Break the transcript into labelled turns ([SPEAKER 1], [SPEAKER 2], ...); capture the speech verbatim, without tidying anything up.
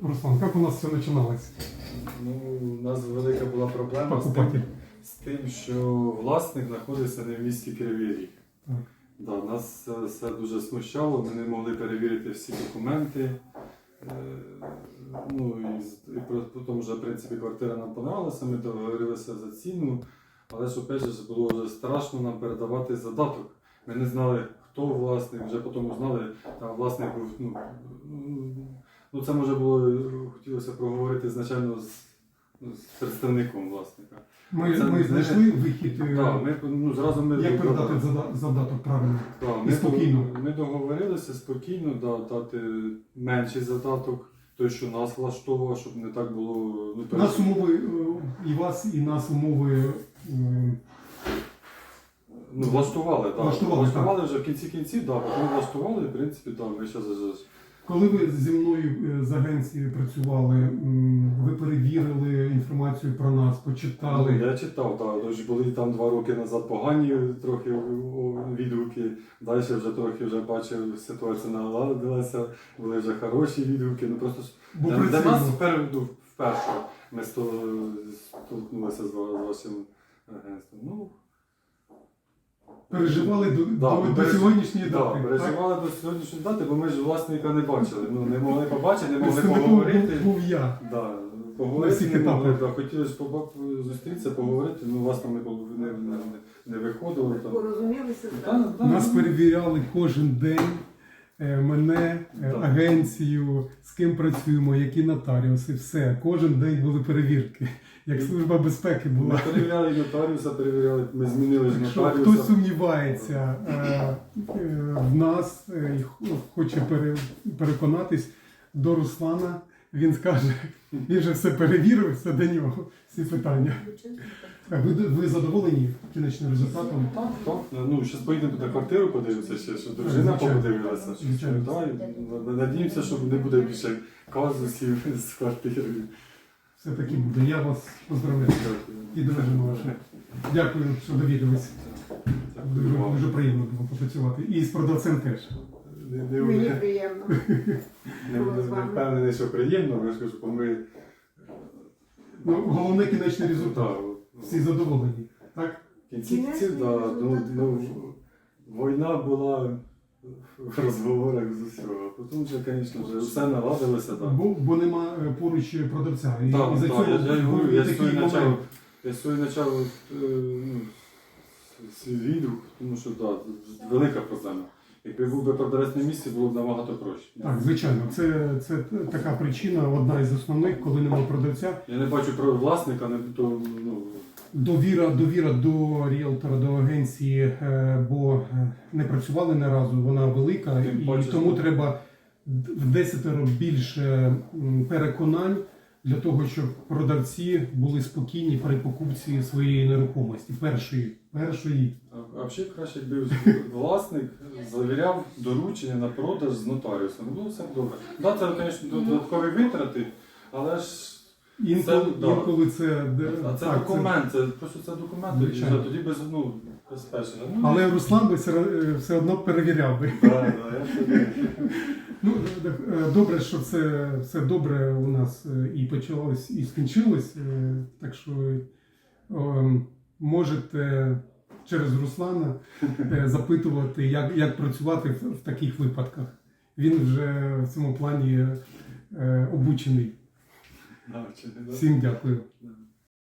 [SPEAKER 1] Руслан, как у нас все начиналось?
[SPEAKER 2] Ну, у нас велика була проблема з
[SPEAKER 1] Покупатель.
[SPEAKER 2] тим, з тим, що власник знаходиться не в місті Кривий Ріг.
[SPEAKER 1] Так.
[SPEAKER 2] Да, нас це все дуже смущало, ми не могли перевірити всі документи. Е, ну, і, з- і при тому, що в принципі квартира нам понравилася, ми договорилися за ціну, але ж опять же було вже страшно нам передавати задаток. Ми не знали, хто власник, вже потім узнали, там власник був. Ну, ну це може було, хотілося проговорити значально з, ну, з представником власника.
[SPEAKER 1] Ми,
[SPEAKER 2] Це
[SPEAKER 1] ми
[SPEAKER 2] не-
[SPEAKER 1] знайшли вихід, е,
[SPEAKER 2] Так, ми, ну, зразу ми
[SPEAKER 1] як передати
[SPEAKER 2] догадали-
[SPEAKER 1] зада- задаток правильно.
[SPEAKER 2] Так,
[SPEAKER 1] І
[SPEAKER 2] ми,
[SPEAKER 1] спокійно.
[SPEAKER 2] Ми договорилися спокійно да, дати менший задаток, той, що нас влаштовував, щоб не так було. Ну, перед-
[SPEAKER 1] Нас умови, е, і вас, і нас умови е,
[SPEAKER 2] ну, влаштували, да.
[SPEAKER 1] Влаштували,
[SPEAKER 2] влаштували вже в кінці кінців, да, потім влаштували, в принципі, да, ми зараз.
[SPEAKER 1] коли ви зі мною е, з агенції працювали, м, ви перевірили інформацію про нас, почитали.
[SPEAKER 2] Ну, я читав, так, тож були там два роки назад погані трохи о, відгуки, далі вже трохи вже бачив, ситуація наладилася, були вже хороші відгуки. Ну, просто ж
[SPEAKER 1] Бо
[SPEAKER 2] для,
[SPEAKER 1] при
[SPEAKER 2] для
[SPEAKER 1] цьому-
[SPEAKER 2] нас впер, ну, вперше ми сто- столкнулися з, ва- з вашим агентством. Ну,
[SPEAKER 1] Переживали до,
[SPEAKER 2] Да,
[SPEAKER 1] до,
[SPEAKER 2] ми
[SPEAKER 1] до
[SPEAKER 2] переж-
[SPEAKER 1] сьогоднішньої
[SPEAKER 2] да,
[SPEAKER 1] дати. так?
[SPEAKER 2] переживали до сьогоднішньої дати, бо ми ж власника не бачили. Ну, не могли побачити, не могли
[SPEAKER 1] Представником
[SPEAKER 2] поговорити.
[SPEAKER 1] був, був я.
[SPEAKER 2] Да,
[SPEAKER 1] На
[SPEAKER 2] поговорити
[SPEAKER 1] всіх
[SPEAKER 2] не могли,
[SPEAKER 1] етапах.
[SPEAKER 2] да, хотіли ж поба- зустрітися, поговорити, ну у вас там не, було- не, не, не виходило. Там.
[SPEAKER 3] Порозумілися
[SPEAKER 2] Да,
[SPEAKER 3] зразу.
[SPEAKER 2] да,
[SPEAKER 1] Нас
[SPEAKER 2] ну,
[SPEAKER 1] перевіряли кожен день, е, мене, е,
[SPEAKER 2] Так.
[SPEAKER 1] агенцію, з ким працюємо, які нотаріуси, все. Кожен день були перевірки. Як служба безпеки
[SPEAKER 2] Ми
[SPEAKER 1] була.
[SPEAKER 2] перевіряли і нотаріуса, перевіряли, ми змінили ж
[SPEAKER 1] Якщо
[SPEAKER 2] нотаріуса.
[SPEAKER 1] хтось сумнівається е, е, в нас е, і х- хоче пере- переконатись до Руслана, він скаже, він же все перевірив, все до нього, всі питання. А Ви, ви задоволені кінечним результатом?
[SPEAKER 2] Так, так. Ну, зараз поїдемо на квартиру, подивимося ще, що дружина
[SPEAKER 1] Звичайно.
[SPEAKER 2] подивилася. що-
[SPEAKER 1] Звичайно.
[SPEAKER 2] Да, і надіємося, що не буде більше казусів з квартири.
[SPEAKER 1] Все таки буде. Я вас поздравляю.
[SPEAKER 2] Дякую.
[SPEAKER 1] І дружину вашу. Дякую, що довірились.
[SPEAKER 2] Дякую
[SPEAKER 1] Дуже,
[SPEAKER 2] вам.
[SPEAKER 1] дуже приємно було попрацювати. І з продавцем теж.
[SPEAKER 2] Не, не,
[SPEAKER 3] Мені
[SPEAKER 2] не,
[SPEAKER 3] приємно.
[SPEAKER 2] не, не впевнений, що приємно, але я ж кажу, бо ми
[SPEAKER 1] Ну, головне кінечний результат.
[SPEAKER 2] так,
[SPEAKER 1] Всі задоволені. Так?
[SPEAKER 2] в кінці
[SPEAKER 3] Кінечний
[SPEAKER 2] кінців, да, ну,
[SPEAKER 3] результат
[SPEAKER 2] ну,
[SPEAKER 3] хороший.
[SPEAKER 2] війна була в розговорах з усього. Потім вже, звісно, вже все наладилося. Да.
[SPEAKER 1] Бо, бо нема е, поруч продавця. І,
[SPEAKER 2] Так,
[SPEAKER 1] і за
[SPEAKER 2] так,
[SPEAKER 1] цього
[SPEAKER 2] я, я, й говорю,
[SPEAKER 1] був
[SPEAKER 2] я
[SPEAKER 1] такий
[SPEAKER 2] свій
[SPEAKER 1] момент.
[SPEAKER 2] почав, я свій почав е, ну, свій відгук, тому що да, велика проблема. Якби був би продавець на місці, було б набагато проще.
[SPEAKER 1] Так, звичайно, це, це така причина, одна із основних, коли немає продавця.
[SPEAKER 2] Я не бачу про власника, не то ну,
[SPEAKER 1] Довіра, довіра до ріелтора, до агенції, е, бо е, не працювали не разу, вона велика,
[SPEAKER 2] Тим
[SPEAKER 1] і
[SPEAKER 2] паче,
[SPEAKER 1] тому
[SPEAKER 2] що-
[SPEAKER 1] треба в десятеро більше м, переконань для того, щоб продавці були спокійні при покупці своєї нерухомості, першої. першої.
[SPEAKER 2] а, а взагалі краще, якби власник завіряв доручення на продаж з нотаріусом. Було все добре. Так, да, це, звісно, додаткові витрати, але ж
[SPEAKER 1] Інколи
[SPEAKER 2] Це, да.
[SPEAKER 1] інколи це, де-
[SPEAKER 2] а це
[SPEAKER 1] так,
[SPEAKER 2] документ, це просто це документ, тоді,
[SPEAKER 1] Звичайно.
[SPEAKER 2] вже, тоді без ну, безпечно. Ну,
[SPEAKER 1] Але Руслан би все, е, все одно перевіряв би.
[SPEAKER 2] да, да, я собі.
[SPEAKER 1] Ну, е, добре, що це все добре у нас е, і почалось, і скінчилось. е, Так що е, можете через Руслана е, запитувати, як, як працювати в, в таких випадках. Він вже в цьому плані е, обучений.
[SPEAKER 2] Да, чи не, да.
[SPEAKER 1] Всім дякую.
[SPEAKER 2] Да.